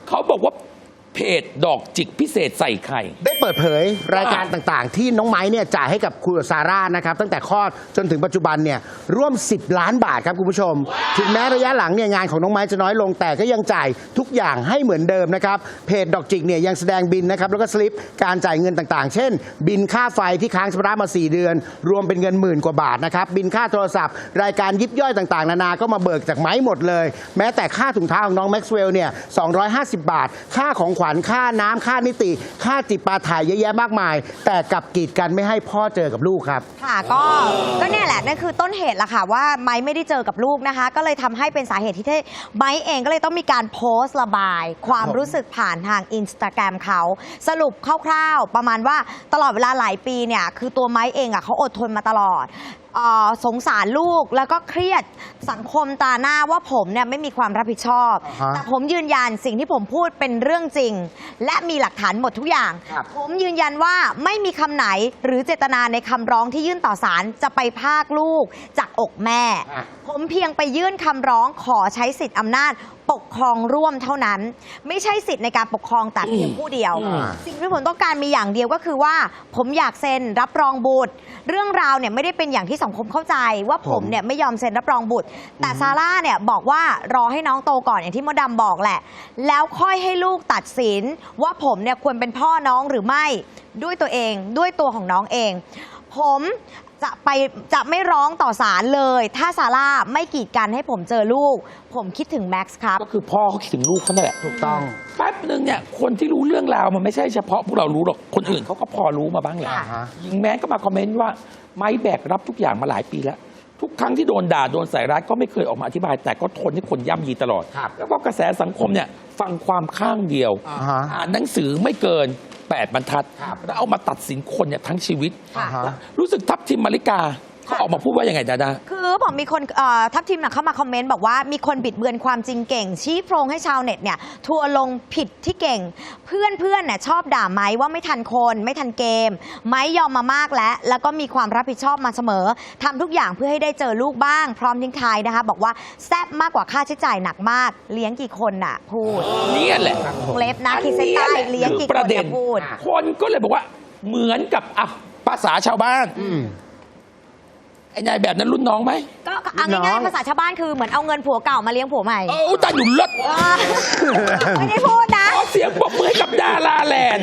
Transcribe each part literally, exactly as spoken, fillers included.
เขาบอกว่าเพจดอกจิกพิเศษใส่ไข่ได้เปิดเผยรายการต่างๆที่น้องไม้เนี่ยจ่ายให้กับคุณซาร่านะครับตั้งแต่คลอดจนถึงปัจจุบันเนี่ยร่วมสิบล้านบาทครับคุณผู้ชมถึงแม้ระยะหลังเนี่ยงานของน้องไม้จะน้อยลงแต่ก็ยังจ่ายทุกอย่างให้เหมือนเดิมนะครับเพจดอกจิกเนี่ยยังแสดงบินนะครับแล้วก็สลิปการจ่ายเงินต่างๆเช่นบินค่าไฟที่ค้างชำระมาสี่เดือนรวมเป็นเงินหมื่นกว่าบาทนะครับบินค่าโทรศัพท์รายการยิบย่อยต่างๆนานาก็มาเบิกจากไม้หมดเลยแม้แต่ค่าถุงเท้าของน้องแม็กซ์เวลล์เนี่ยสองร้อยห้าสิบบาทค่าของขวัญค่าน้ำค่านิติค่าจิปาถะเยอะแยะมากมายแต่กลับกีดกันไม่ให้พ่อเจอกับลูกครับค่ะก็ก็เนี่ยแหละนั่นคือต้นเหตุละค่ะว่าไม้ไม่ได้เจอกับลูกนะคะก็เลยทำให้เป็นสาเหตุที่ไม้เองก็เลยต้องมีการโพสต์ระบายความรู้สึกผ่านทางอินสตาแกรมเขาสรุปคร่าวๆประมาณว่าตลอดเวลาหลายปีเนี่ยคือตัวไม้เองอ่ะเขาอดทนมาตลอดสงสารลูกแล้วก็เครียดสังคมตาหน้าว่าผมเนี่ยไม่มีความรับผิดชอบ uh-huh. แต่ผมยืนยันสิ่งที่ผมพูดเป็นเรื่องจริงและมีหลักฐานหมดทุกอย่าง uh-huh. ผมยืนยันว่าไม่มีคำไหนหรือเจตนาในคำร้องที่ยื่นต่อศาลจะไปพรากลูกจากอกแม่ uh-huh. ผมเพียงไปยื่นคำร้องขอใช้สิทธิอำนาจปกครองร่วมเท่านั้นไม่ใช่สิทธิ์ในการปกครองแต่เพียงผู้เดียว uh-huh. สิ่งที่ผมต้องการมีอย่างเดียวก็คือว่าผมอยากเซ็นรับรองบุตรเรื่องราวเนี่ยไม่ได้เป็นอย่างที่สังคมเข้าใจว่าผมเนี่ยไม่ยอมเซ็นรับรองบุตรแต่ซาร่าเนี่ยบอกว่ารอให้น้องโตก่อนอย่างที่มดดำบอกแหละแล้วค่อยให้ลูกตัดสินว่าผมเนี่ยควรเป็นพ่อน้องหรือไม่ด้วยตัวเองด้วยตัวของน้องเองผมจะไปจะไม่ร้องต่อศาลเลยถ้าซาร่าไม่กีดกันให้ผมเจอลูกผมคิดถึงแม็กซ์ครับก็คือพ่อเขาคิดถึงลูกเขานั่นแหละถูกต้องแป๊บนึงเนี่ยคนที่รู้เรื่องราวมันไม่ใช่เฉพาะพวกเรารู้หรอกคนอื่นเขาก็พอรู้มาบ้างแหละยิงแมนก็มาคอมเมนต์ว่าไม้แบกรับทุกอย่างมาหลายปีแล้วทุกครั้งที่โดนด่าโดนใส่ร้ายก็ไม่เคยออกมาอธิบายแต่ก็ทนให้คนย่ำยีตลอดแล้วก็กระแสสังคมเนี่ยฟังความข้างเดียวอ่านหนังสือไม่เกินแปดบรรทัดแล้วเอามาตัดสินคนเนี่ยทั้งชีวิตรู้สึกทัพทิมมาริกาเขาออกมาพูดว่ายังไงดาดาคือบอกมีคนทัพทิมเข้ามาคอมเมนต์บอกว่ามีคนบิดเบือนความจริงเก่งชี้โพรงให้ชาวเน็ตเนี่ยทัวลงผิดที่เก่งเพื่อนเพื่อนเนี่ยชอบด่าไม้ว่าไม่ทันคนไม่ทันเกมไม้ยอมมามากแล้วแล้วก็มีความรับผิดชอบมาเสมอทำทุกอย่างเพื่อให้ได้เจอลูกบ้างพร้อมทิ้งท้ายนะคะบอกว่าแซ่บมากกว่าค่าใช้จ่ายหนักมากเลี้ยงกี่คนน่ะพูดนี่แหละเล็บนะขีดเส้นใต้เลี้ยงกี่คนจะพูดคนก็เลยบอกว่าเหมือนกับอ่ะภาษาชาวบ้านไอ้นายแบบนั้นรุ่นน้องไหมก็เอาง่ายๆภาษาชาวบ้านคือเหมือนเอาเงินผัวเก่ามาเลี้ยงผัวใหม่เออตาอยู่รถไม่ได้พูดนะขอเสียงปรบมือให้กับดาราแลนด์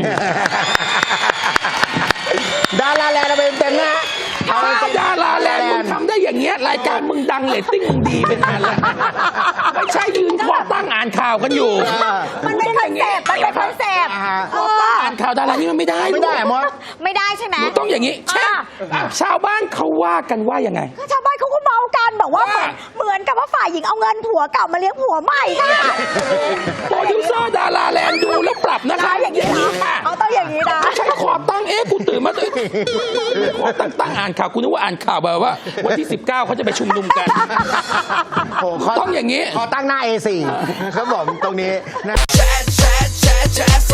ดาราแลนด์เป็นเต็มนะถ้าดาราแลนด์มึงทำได้อย่างเงี้ยรายการมึงดังเรตติ้งมึงดีเป็นนานแล้วไม่ใช่ยืนคอตั้งอ่านข่าวกันอยู่มันเป็นคอนเซ็ปต์มันเป็นคอนเซ็ปต์อ่านข่าวดารานี่มันไม่ได้ไม่ได้มดไม่ได้ใช่ไหมต้องอย่างนี้เช่นชาวบ้านเขาว่ากันว่ายังไงชาวบ้านเขาก็เมากันบอกว่าเหมือนกับว่าฝ่ายหญิงเอาเงินผัวเก่ามาเลี้ยงผัวใหม่ค่ะโปรดิวเซอร์ดาราแลนด์ดูแล้วปรับนะคะอย่างนี้นะเขาต้องอย่างนี้นะใช่ขอตั้งเอ๊ะกูตื่นมาเลยขอตั้งตั้งอ่านข่าวกูนึกว่าอ่านข่าวแบบว่าวันที่สิบเก้าเขาจะไปชุมนุมกันต้องอย่างนี้ขอตั้งหน้า เอ สี่ ครับผมตรงนี้นะ